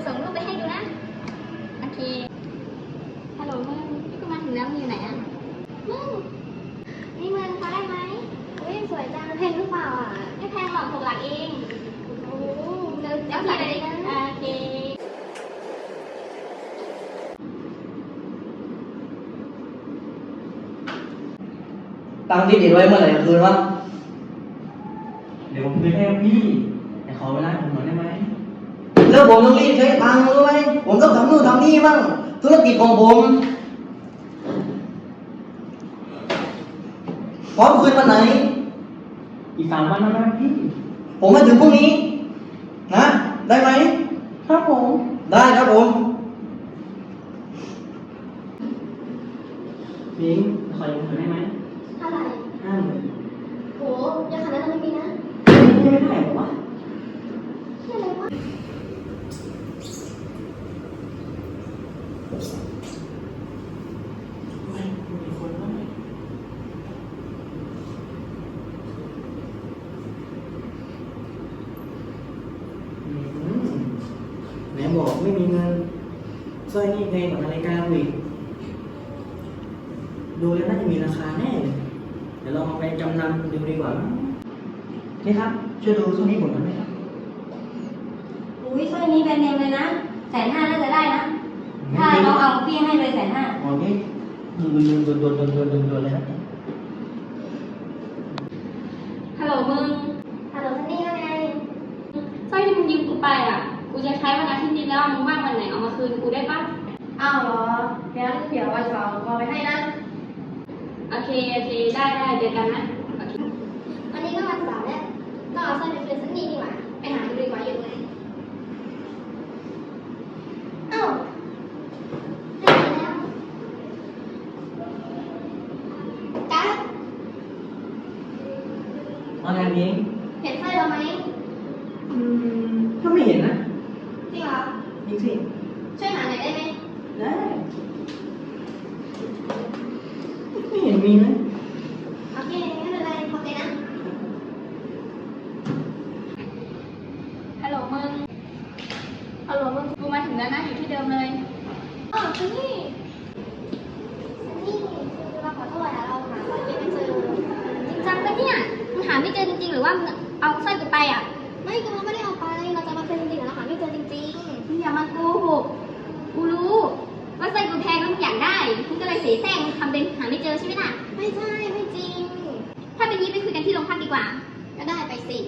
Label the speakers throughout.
Speaker 1: ส่งรูปไปให้ดูนะโอเคฮัลโหลมึงนี่ก็มาถึงแล้วมึงอยู่ไหนอ่ะมึงนี่มึงพอได้ไหมอุ้ยสวยจังแพงหรือเปล่าอ่ะไม่แพงหรอก6 หลักเองโอ้เดี๋ยวใส่เลยนะโอเค
Speaker 2: ตังค์ที่ติดไว้เมื่อไหร่จะคืนวะ
Speaker 3: เดี๋ยวผมคืนให้พี่แต่ขอเวลาผมหน่อยได้ไหม
Speaker 2: แล้วผมต้องรีบใช้ตังค์รู้ไหมผมต้องทำนู่นทำนี่บ้างธุรกิจของผมพร้อมคืนวันไหน
Speaker 3: อีก3 วันนะพี่
Speaker 2: ผมมาถึงพรุ่งนี้นะได้ไหม
Speaker 3: ครับผม
Speaker 2: ได้ครับผม
Speaker 3: พิงขอยืมเงินได้ไหม
Speaker 1: เท่าไหร่
Speaker 3: 50,000
Speaker 1: โหเยอะขนาดนั้นเลยนะ
Speaker 3: ไม่ได้หรอวะ
Speaker 1: เชื่ออะไรวะ
Speaker 3: ไม่มีคนว่าไหนบอกไม่มีเงินสร้อยนี่แพงกว่านาฬิกาอีกดูแล้วน่าจะมีราคาแน่เลยเดี๋ยวเราเอาไปจำนำดูดีกว่านะนี่ครับช่วยดูสร้อยนี้ผมหน่อยไหมครับ
Speaker 4: อุ้ยสร้อยนี้แบรนด์เนมเลยนะ150,000น่าจะได้นะถ้าเราเอาพี่ให้เลย150,000
Speaker 3: อ๋อนี่ยืนโดนเลยนะ
Speaker 4: ฮัลโหลมึง
Speaker 1: ฮัลโหลซันนี่ว่าไง
Speaker 4: สร้อยที่มึงยืมกูไปอ่ะกูจะใช้วันอาทิตย์นี้แล้วมึงว่างวันไหนเอามาคืนกูได้ปะ
Speaker 1: อ้าวเหรองั้นเดี๋ยววันเสาร์พอไปให้นะ
Speaker 4: โอเคได้เจอกันนะโอเค
Speaker 1: วันนี้ก็วันเสาร์แล้วก็เอาสร้อยไปคืนซันนี่ดีกว่าไปหาดูดีกว่าอยู่ไหนอ้าวได้แล้วกั๊ก
Speaker 3: เอาไงพิง
Speaker 1: เห็นสร้อยเราไหม
Speaker 3: ถ้าไม่เห็นนะ
Speaker 1: จริงเหรอ
Speaker 3: จริงสิ
Speaker 1: ช่วยหาหน่อยได้ไหม
Speaker 3: ได้ไม่เห็นมีนะ
Speaker 1: โอเคไม่เป็นไรขอบใจนะ
Speaker 4: ฮัลโหลมึงกูมาถึงแล้วนะอยู่ที่เดิมเลย
Speaker 1: อ๋อซันนี่คือเราขอโทษนะเราหาสร้อยไม่เจอจริงจังปะเนี่ยมึงหาไม่เจอจริงๆหรือว่ามึงเอาสร้อยกูไปอ่ะไม่คือเราไม่ได้เอาไปเราจะมาคืนจริงๆเราหาไม่เจอจริงๆ
Speaker 4: มึงอย่ามาโกหกกูรู้ว่าสร้อยกูแพงแล้วมึงอยากได้มึงก็เลยเสแสร้งทำเป็นหาไม่เจอใช่ไหมล่ะ
Speaker 1: ไม่ใช่ไม่จริง
Speaker 4: ถ้าเป็นนี้ไปคุยกันที่โรงพักดีกว่า
Speaker 1: ก็ได้ไปสิ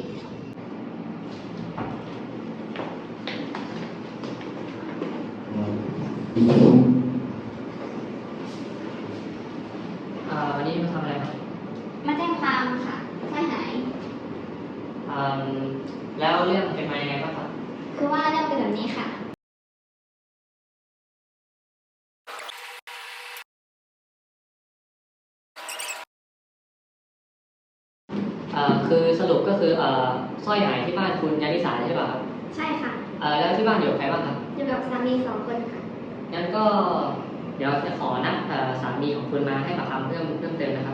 Speaker 3: วันนี้มาทำอะไรครับ
Speaker 1: มาแจ้งความค่ะสร้อยหาย
Speaker 3: แล้วเรื่องเป็นมายังไงบ้างครับ
Speaker 1: คือว่าเรื่องเป็นแบบนี้ค่ะ
Speaker 3: คือสรุปก็คือสร้อยหายที่บ้านคุณยานิสาใช่ป่ะครับ
Speaker 1: ใช่ค่ะ
Speaker 3: แล้วที่บ้านอยู่กับใครบ้างครับ
Speaker 1: อยู่กับสามี2 คนค่ะ
Speaker 3: งั้นก็เดี๋ยวจะขอนัดสามีของคุณมาให้ปากคำเพิ่มเติมนะครับ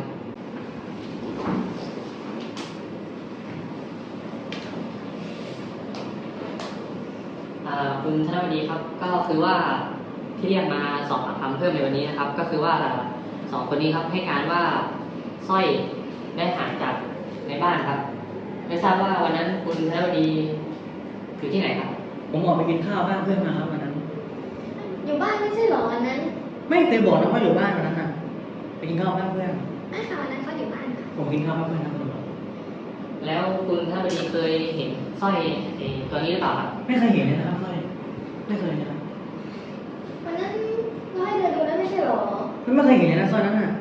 Speaker 3: คุณธนวดีครับก็คือว่าที่เรียกมาสอบปากคำเพิ่มในวันนี้นะครับก็คือว่า2 คนนี้ครับให้การว่าสร้อยได้หายจากในบ้านครับไม่ทราบว่าวันนั้นคุณธนวดีอยู่ที่ไหนครับผมออกไปกินข้าวบ้านเพื่อนมาครับวันนั้น
Speaker 1: อยู่บ้านไม่ใช่หรอวันนั้น
Speaker 3: ไม่เคยบอกนะว่าอยู่บ้านวันนั้นนะไปกินข้าวบ้านเพื่อน
Speaker 1: ไม่ค่ะวันนั้นเขาอยู่บ้านค่ะ
Speaker 3: ผมกินข้าวบ้านเพื่อนนะคุณแล้วคุณธนวดีเคยเห็นสร้อยตัวนี้หรือเปล่าครับไม่เคยเห็นเลยนะครับสร้อยไม่เคยนะครับ
Speaker 1: วันนั้นเราให้เดินดูแล้วไม่ใช่หรอ
Speaker 3: ไม่เคยเห็นเลยนะสร้อยนั้นน่ะ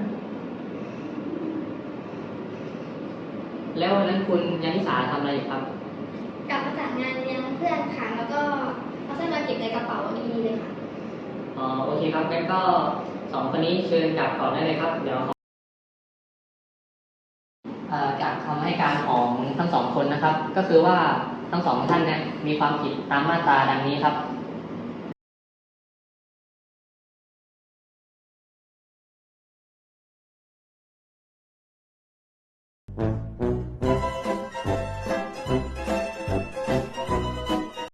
Speaker 3: แล้ววันนั้นคุณยานิสาทำอะไรอยู่ครับ
Speaker 1: กลับมาจากงานเลี้ยงเพื่อนค่ะแล้วก็เอาสร้อยมาเก็บในกระเป๋าดีๆเลยค่ะ
Speaker 3: โอเคครับงั้นก็2 คนนี้เชิญกลับก่อนได้เลยครับเดี๋ยวจากคำให้การของทั้ง2 คนนะครับก็คือว่าทั้ง2 ท่านเนี่ยมีความผิดตามมาตราดังนี้ครับ